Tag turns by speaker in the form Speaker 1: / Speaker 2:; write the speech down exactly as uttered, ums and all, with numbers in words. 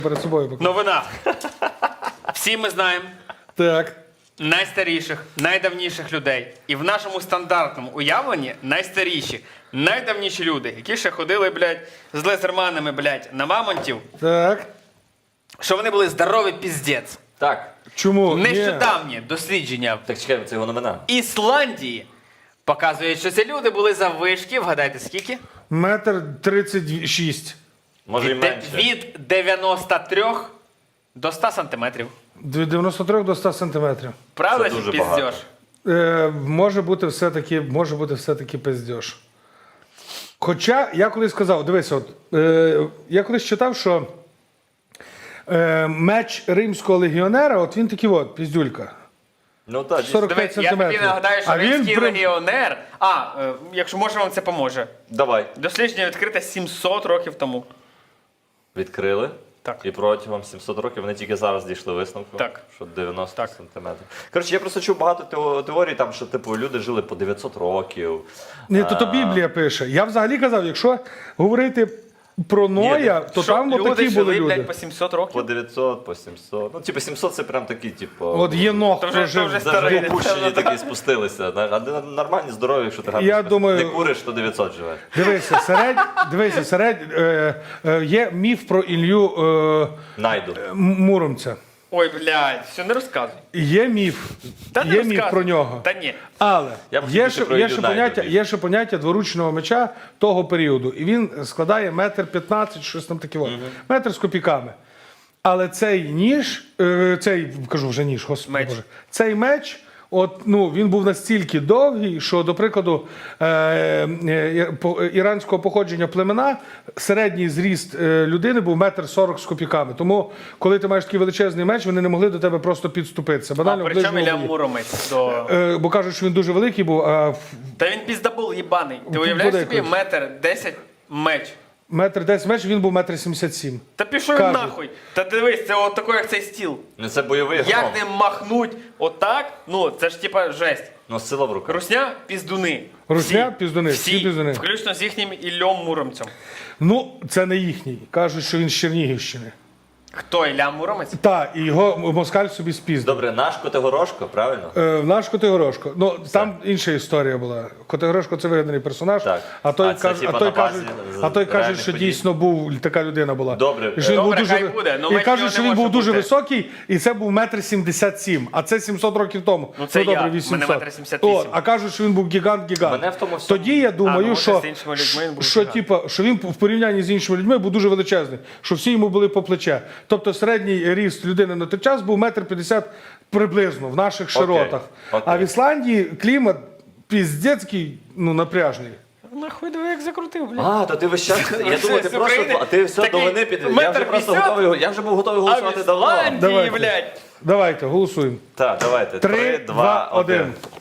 Speaker 1: перед собою.
Speaker 2: Новина. Всі ми знаємо
Speaker 1: Так.
Speaker 2: найстаріших, найдавніших людей. І в нашому стандартному уявленні найстаріші, найдавніші люди, які ще ходили, блядь, з лезерманами, блядь, на мамонтів,
Speaker 1: Так.
Speaker 2: що вони були здорові піздець.
Speaker 3: Так.
Speaker 1: Чому? Ні.
Speaker 2: Нещодавні дослідження
Speaker 3: Так чекай, це його новина.
Speaker 2: Ісландії показують, що ці люди були заввишки, вгадайте скільки?
Speaker 1: Метр тридцять шість.
Speaker 3: Може і
Speaker 2: Від, де-
Speaker 3: менше.
Speaker 2: від дев'яноста трьох до ста сантиметрів.
Speaker 1: Від дев'яноста трьох до ста сантиметрів.
Speaker 2: Правда,
Speaker 3: Це
Speaker 2: чи
Speaker 3: дуже
Speaker 2: піздєш?
Speaker 3: багато.
Speaker 1: Е, може бути все-таки, може бути все-таки пиздєш. Хоча я колись сказав, дивися, от, е, я колись читав, що е, меч римського легіонера, от він такий от, піздюлька.
Speaker 3: Ну так, дійсно.
Speaker 1: сорок
Speaker 2: Диви,
Speaker 1: п'ять
Speaker 2: я тобі
Speaker 1: сантиметрів.
Speaker 2: нагадаю, що
Speaker 1: А він
Speaker 2: римський
Speaker 1: при-
Speaker 2: легіонер. А, е, якщо може, вам це поможе.
Speaker 3: Давай.
Speaker 2: Дослідження відкрите сімсот років тому.
Speaker 3: Відкрили.
Speaker 2: Так.
Speaker 3: І протягом сімсот років вони тільки зараз дійшли висновку,
Speaker 2: Так.
Speaker 3: що дев'яносто
Speaker 2: Так.
Speaker 3: сантиметрів. Коротше, я просто чув багато тео- теорій, там, що типу, люди жили по дев'ятсот років.
Speaker 1: Ні, то, то Біблія пише. Я взагалі казав, якщо говорити про Ноя, то
Speaker 2: Що
Speaker 1: там от
Speaker 2: люди
Speaker 1: такі
Speaker 2: жили,
Speaker 1: були люди.
Speaker 2: блядь, по сімсот
Speaker 3: По
Speaker 2: років?
Speaker 3: дев'ятсот, по сімсот. Ну, типу, сімсот це прям такі, типу.
Speaker 1: От Єнох
Speaker 2: То вже-
Speaker 1: прожив.
Speaker 2: то вже
Speaker 3: Даже
Speaker 2: старий.
Speaker 3: опущені такі спустилися. знаєш. А де нормальні, здорові, якщо ти гарно
Speaker 1: Я
Speaker 3: спиш.
Speaker 1: думаю-
Speaker 3: не куриш, то дев'ятсот живе.
Speaker 1: Дивися, серед, дивися, серед, е, е, є міф про Ілью е,
Speaker 3: Найду.
Speaker 1: М- Муромця.
Speaker 2: Ой, блядь, все, не розказуй.
Speaker 1: Є міф.
Speaker 2: Та не
Speaker 1: Є міф
Speaker 2: розказуй.
Speaker 1: про нього.
Speaker 2: Та ні.
Speaker 1: Але
Speaker 3: Я б
Speaker 1: є
Speaker 3: хотів
Speaker 1: ще,
Speaker 3: про
Speaker 1: є,
Speaker 3: Ілью
Speaker 1: ще
Speaker 3: Найду
Speaker 1: поняття,
Speaker 3: більше.
Speaker 1: є ще поняття дворучного меча того періоду. І він складає метр п'ятнадцять, щось там таке. Угу. Метр з копійками. Але цей ніж, е, цей, кажу вже ніж, господи
Speaker 2: Меч.
Speaker 1: Боже, цей меч, от, ну, він був настільки довгий, що, до прикладу, е, е, по- іранського походження племена, середній зріст е, людини був метр сорок з копійками. Тому, коли ти маєш такий величезний меч, вони не могли до тебе просто підступитися.
Speaker 2: А
Speaker 1: Банально в
Speaker 2: при чому
Speaker 1: ближньому
Speaker 2: Ілля
Speaker 1: бою.
Speaker 2: Муромець до...
Speaker 1: Е, бо кажуть, що він дуже великий був, а в-
Speaker 2: Та він піздабул їбаний. Ти уявляєш
Speaker 1: Подекуди.
Speaker 2: собі метр десять меч?
Speaker 1: метр десять меч, він був метр сімдесят сім.
Speaker 2: Та пішов він
Speaker 1: Кажуть.
Speaker 2: нахуй. Та дивись, це от такий, як цей стіл.
Speaker 3: Ну це бойовий
Speaker 2: Як
Speaker 3: гром.
Speaker 2: ним махнуть отак, ну це ж типа жесть.
Speaker 3: Ну сила в руках.
Speaker 2: Русня піздуни.
Speaker 1: Русня
Speaker 2: Всі.
Speaker 1: піздуни, всі піздуни.
Speaker 2: Включно з їхнім Іллем Муромцем.
Speaker 1: Ну, це не їхній. Кажуть, що він з Чернігівщини.
Speaker 2: Хто Ілля Муромець?
Speaker 1: Так, і його москаль собі спіздив.
Speaker 3: Добре, наш Котигорошко, правильно?
Speaker 1: Е, наш Котигорошко. Ну, там інша історія була. Котигорошко це вигаданий персонаж,
Speaker 3: Так.
Speaker 1: а той,
Speaker 3: А це,
Speaker 1: каже,
Speaker 3: типа,
Speaker 1: а той
Speaker 3: на
Speaker 1: каже,
Speaker 3: базі
Speaker 1: а той каже,
Speaker 3: реальних
Speaker 1: що
Speaker 3: подій?
Speaker 1: дійсно був така людина була.
Speaker 3: Добре.
Speaker 1: І що він
Speaker 2: Добре,
Speaker 1: був дуже,
Speaker 2: хай буде, ну,
Speaker 1: і
Speaker 2: меч
Speaker 1: каже,
Speaker 2: його
Speaker 1: що
Speaker 2: не
Speaker 1: він був
Speaker 2: може
Speaker 1: дуже
Speaker 2: бути.
Speaker 1: високий, і це був метр сімдесят сім, а це сімсот років тому.
Speaker 2: Ну, це я.
Speaker 1: добре,
Speaker 2: Мене
Speaker 1: вісімсот.
Speaker 2: метр сімдесят вісім.
Speaker 1: От, а кажуть, що він був гігант-гігант.
Speaker 3: Мене в тому всьому-
Speaker 1: Тоді я думаю,
Speaker 2: А, ну, може,
Speaker 1: що,
Speaker 2: з іншими людьми він був
Speaker 1: що,
Speaker 2: гігант.
Speaker 1: типа, що він в порівнянні з іншими людьми був дуже величезний, що всі йому були по плече. Тобто середній ріст людини на той час був метр п'ятдесят приблизно в наших широтах.
Speaker 3: окей.
Speaker 1: А в Ісландії клімат піздецький, ну, напряжний.
Speaker 2: Нахуй диви, як закрутив, блядь.
Speaker 3: А, то ти весь час. Я
Speaker 2: З-
Speaker 3: думав, ти
Speaker 2: з
Speaker 3: просто.
Speaker 2: України
Speaker 3: А ти все до
Speaker 2: такий
Speaker 3: вини під. Я
Speaker 2: метр
Speaker 3: вже просто
Speaker 2: п'ятдесят?
Speaker 3: готовий. Я вже був готовий
Speaker 2: А в
Speaker 3: голосувати давно.
Speaker 2: Ісландії,
Speaker 1: Давайте.
Speaker 2: блядь.
Speaker 1: Давайте, голосуємо.
Speaker 3: Так, давайте.
Speaker 1: Три, два, один.